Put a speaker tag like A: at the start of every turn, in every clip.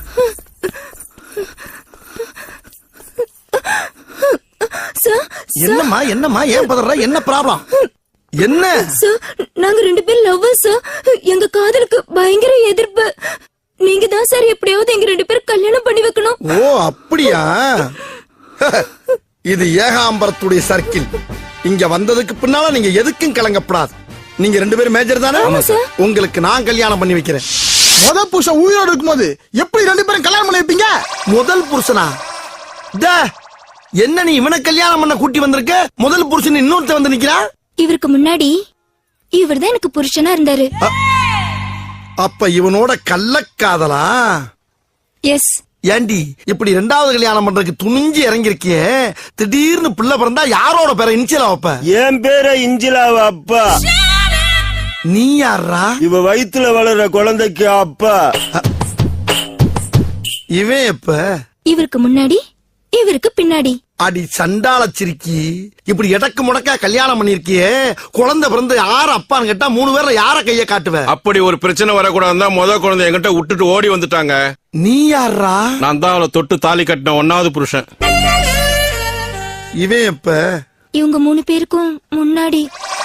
A: என்னம்மா என்னம்மா ஏன் பதற? என்ன ப்ராப்ளம்? என்ன
B: சார், நாங்க 2 பேரும் லவ்வர்ஸ் சார். எங்க காதலுக்கு பயங்கர எதிர்ப்பு. நீங்க தான் சார் எப்படியாவது எங்க 2 பேரும் கல்யாணம் பண்ணி வைக்கணும்.
A: ஓ அப்படியா? இது ஏகாம்பரத்துடைய சர்க்கிள். இங்க வந்ததுக்கு பின்னால நீங்க எதுக்கும் கலங்கப்படாது. நீங்க 2 பேரும் மேஜர் தானே? உங்களுக்கு நான் கல்யாணம் பண்ணி வைக்கிறேன்.
C: முதல் புருஷன் உயிரோடு இருக்கும்போது எப்படி 2 பேரும் கல்யாணம் பண்ணி வைப்பீங்க?
A: முதல் புருஷனா? என்ன நீ இவனை கல்யாணம் பண்ண கூட்டி வந்திருக்க? முதல் புருஷன் இன்னொருத்த வந்து நிக்கிறா.
B: இவருக்கு முன்னாடி இவர்தான் எனக்கு புருஷனா இருந்தாரு.
A: அப்ப இவனோட கள்ளக்காதலா?
B: எஸ்.
A: ஏண்டி இப்படி 2வது கல்யாணம் பண்றதுக்கு துணிஞ்சு இறங்கிருக்கியே, திடீர்னு பிள்ளை பிறந்தா யாரோட பேரை இன்சிலா வைப்ப?
D: என் பேரை இஞ்சிலாவ அப்பா.
A: நீ யாரா?
D: இவ வயித்துல வளர்ற குழந்தைக்கு அப்பா.
A: இவன் எப்ப?
B: இவருக்கு முன்னாடி இவருக்கு பின்னாடி.
A: அடி சண்டால சிரிக்கி, இப்படி எடக்கு முடக்கா கல்யாணம் பண்ணிருக்கியே, குழந்தை பிறந்து யார அப்பான்னு கேட்டா 3 பேர்ல யார கைய காட்டுவ?
E: அப்படி ஒரு பிரச்சனை வரக்கூடாதுன்னு தான் முத குழந்தை என்கிட்ட விட்டுட்டு ஓடி வந்துட்டாங்க.
A: நீ யாரா?
E: நான் தான் அவளை தொட்டு தாலி கட்டின 1வது புருஷன்.
A: இவன் எப்ப?
B: இவங்க 3 பேருக்கும் முன்னாடி.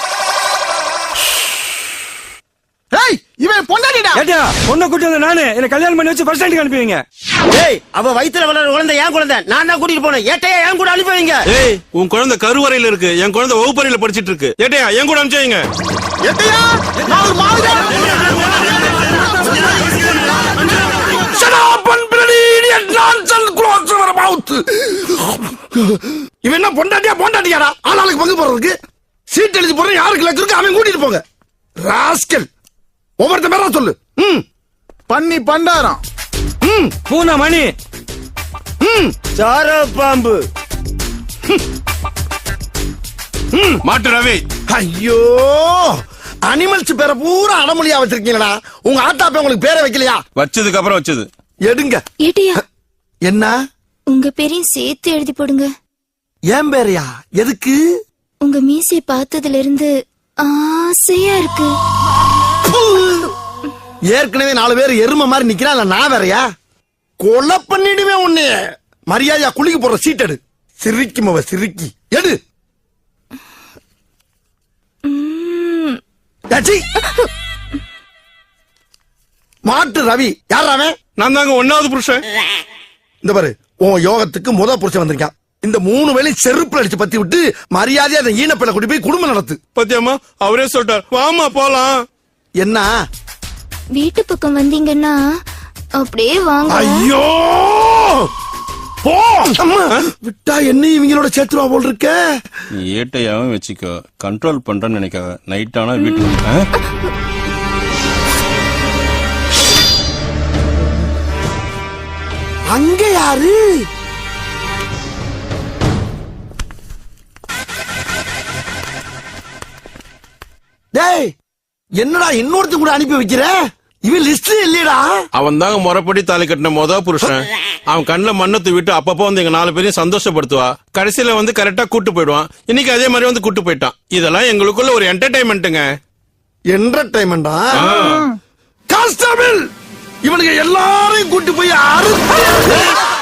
C: ஏய், இவன் பொண்டாட்டிடா.
F: ஏடா, பொண்ணை கூட்டி வந்த நானு என்ன கல்யாணம் பண்ணி வச்சு ஃபர்ஸ்ட் ஸ்டாண்டுக்கு அனுப்புவீங்க?
D: ஏய், அவ வயித்துல வளர்ற குழந்தை என் குழந்தை. நான் தான் கூட்டிட்டு போனேன். ஏட்டையா என் கூட அனுப்புவீங்க?
E: ஏய், உன் குழந்தை கருவறையில இருக்கு, என் குழந்தை வகுப்பறையில படிச்சிட்டு இருக்கு. ஏட்டையா என் கூட அனுப்பிச்சீங்க?
C: ஏட்டையா, நான் ஒரு மாதிரி
A: இவன் என்ன பொண்டாட்டியாடா? ஆளாளுக்கு பங்கு போறதுக்கு சீட் எழுதி போற. யாருக்கு லக்கு இருக்கு அவன் கூட்டிட்டு போங்க. ராஸ்கல், ஒவ்வொருத்த பேரா சொல்லு.
C: பண்ணி பண்டாரம்.
F: பூனா மணி.
D: சார பாம்பு.
E: மாட்டு ரவி.
A: ஐயோ, அனிமல்ஸ் பேரை பூரா அடமொழியா வச்சிருக்கீங்களா? உங்க ஆத்தாப்ப உங்களுக்கு பேரை வைக்கலையா?
E: வச்சதுக்கு அப்புறம் வச்சது.
A: எடுங்க.
B: ஏட்டையா,
A: என்ன?
B: உங்க பேரையும் சேர்த்து எழுதி போடுங்க.
A: ஏன் பேரையா? எதுக்கு?
B: உங்க மீசை பார்த்ததுல இருந்து ஆசையா இருக்கு.
A: ஏற்கனவே 4 பேர் எருமை மாதிரி நிக்கிறான். நான் வேறையா? கொலை பண்ணிடுவேன் உன்னைய. மரியாதையா குளிக்க போற சீட் எடு. சிரிக்கும் அவ சிரிக்கி எடு. மாட்டு ரவி யார் அவன்?
E: நான் தாங்க 1வது புருஷன்.
A: இந்த பாரு, உன் யோகத்துக்கு முத புருஷன் வந்திருக்கான். இந்த 3 வேளை செருப்புல அடிச்சு பத்தி விட்டு மரியாதையா அந்த ஈனப்பிள்ளை கூட்டி போய் குடும்பம் நடத்து.
E: பத்தியம்மா, அவரே சொல்லிட்டார், வாமா போலாம்.
A: என்ன?
B: வீட்டு பக்கம் வந்தீங்கன்னா அப்படியே வாங்க.
A: ஐயோ, போ. விட்டா என்ன இவங்களோட சேர்த்துவா போல் இருக்க.
E: ஏட்டையாவும் வச்சுக்கோ, கண்ட்ரோல் பண்றேன்னு நினைக்காத. நைட் ஆனா வீட்டுக்கு
A: அங்க யாரு? டேய், என்னடா இன்னொருத்த கூட அனுப்பி வைக்கிற? இவன் லிஸ்ட் இல்லையடா.
E: அவன் தாங்க முறைப்படி தாலி கட்டின முத புருஷன். அவன் கண்ணுல மண்ணத்து விட்டு அப்பப்போ வந்து எங்க 4 பேரையும் சந்தோஷப்படுத்துவா. கடைசியில வந்து கரெக்டா கூட்டு போயிடுவான். இன்னைக்கு அதே மாதிரி வந்து கூட்டு போயிட்டான். இதெல்லாம் எங்களுக்குள்ள ஒரு என்டர்டைன்மெண்ட்டுங்க.
A: என்டர்டைன்மெண்டா? கான்ஸ்டபிள், இவனுக்கு எல்லாரையும் கூட்டு போய் அறுத்து